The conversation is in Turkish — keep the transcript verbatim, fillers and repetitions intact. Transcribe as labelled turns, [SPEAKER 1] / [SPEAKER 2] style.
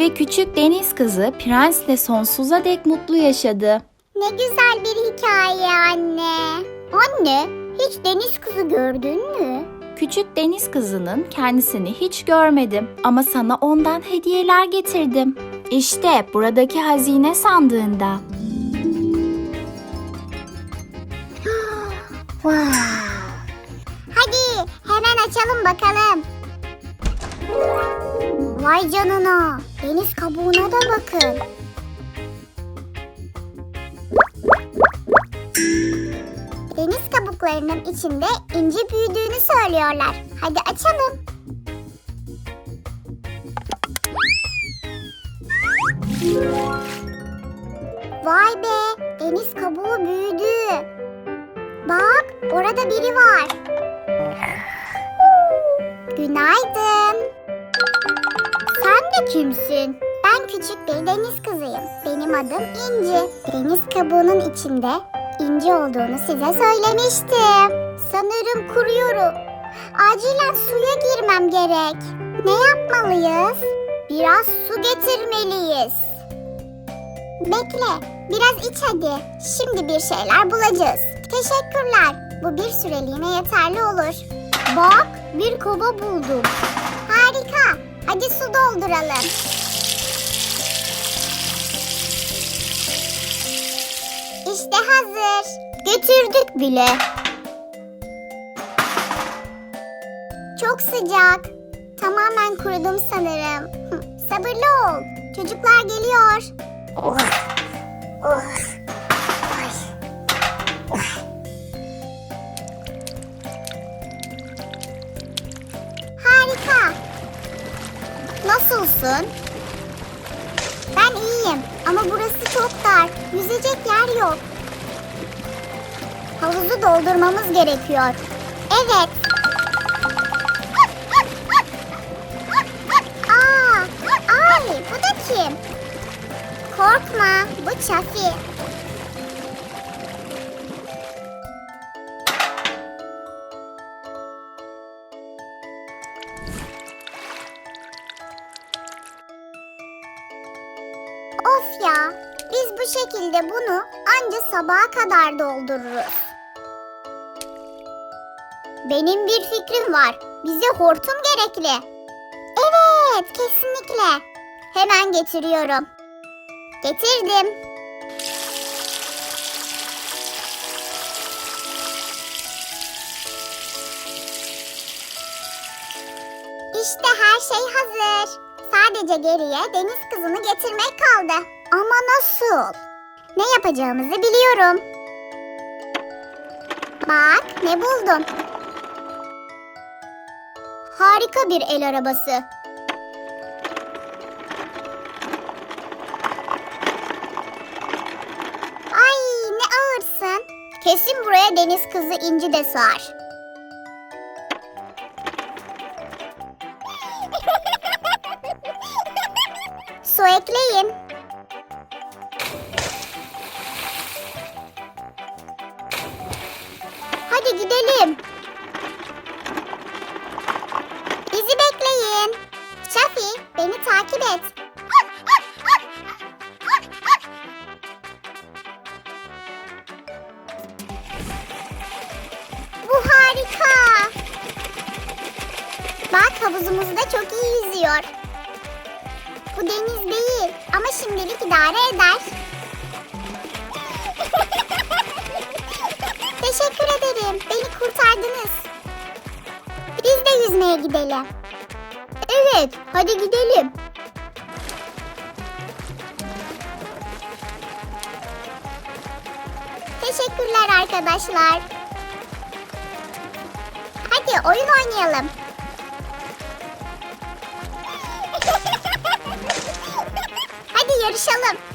[SPEAKER 1] Ve küçük deniz kızı prensle sonsuza dek mutlu yaşadı.
[SPEAKER 2] Ne güzel bir hikaye anne. Anne, hiç deniz kızı gördün mü?
[SPEAKER 1] Küçük deniz kızının kendisini hiç görmedim ama sana ondan hediyeler getirdim. İşte buradaki hazine sandığında.
[SPEAKER 2] Wow. Hadi hemen açalım bakalım. Vay canına, deniz kabuğuna da bakın. Deniz kabuklarının içinde inci büyüdüğünü söylüyorlar. Hadi açalım. Vay be, deniz kabuğu büyüdü. Bak, orada biri var. Günaydın. Sen de kimsin? Ben küçük bir deniz kızıyım. Benim adım İnci. Deniz kabuğunun içinde inci olduğunu size söylemiştim. Sanırım kuruyorum. Acilen suya girmem gerek. Ne yapmalıyız? Biraz su getirmeliyiz. Bekle, biraz iç hadi. Şimdi bir şeyler bulacağız. Teşekkürler. Bu bir süreliğine yeterli olur. Bak, bir kova buldum. Harika. Hadi su dolduralım. İşte hazır. Götürdük bile. Çok sıcak. Tamamen kurudum sanırım. Sabırlı ol. Çocuklar geliyor. Oh. Oh. Ay. Oh. Harika. Nasılsın? Ben iyiyim ama burası çok dar. Yüzecek yer yok. Havuzu doldurmamız gerekiyor. Evet. Aa, ay, bu da kim? Korkma, bu Çafi. Of ya, biz bu şekilde bunu anca sabaha kadar doldururuz. Benim bir fikrim var. Bize hortum gerekli. Evet, kesinlikle. Hemen getiriyorum. Getirdim. İşte her şey hazır. Sadece geriye deniz kızını getirmek kaldı. Ama nasıl? Ne yapacağımızı biliyorum. Bak, ne buldum. Harika bir el arabası. Ay, ne ağırsın. Kesin buraya deniz kızı İnci de sığar. Su ekleyin. Hadi gidelim. Bizi bekleyin. Şafi, beni takip et. Bu harika. Bak, havuzumuzda çok iyi yüzüyor. Bu deniz değil ama şimdilik idare eder. Teşekkür ederim. Beni kurtardınız. Biz de yüzmeye gidelim. Evet, hadi gidelim. Teşekkürler arkadaşlar. Hadi oyun oynayalım. Hadi yarışalım.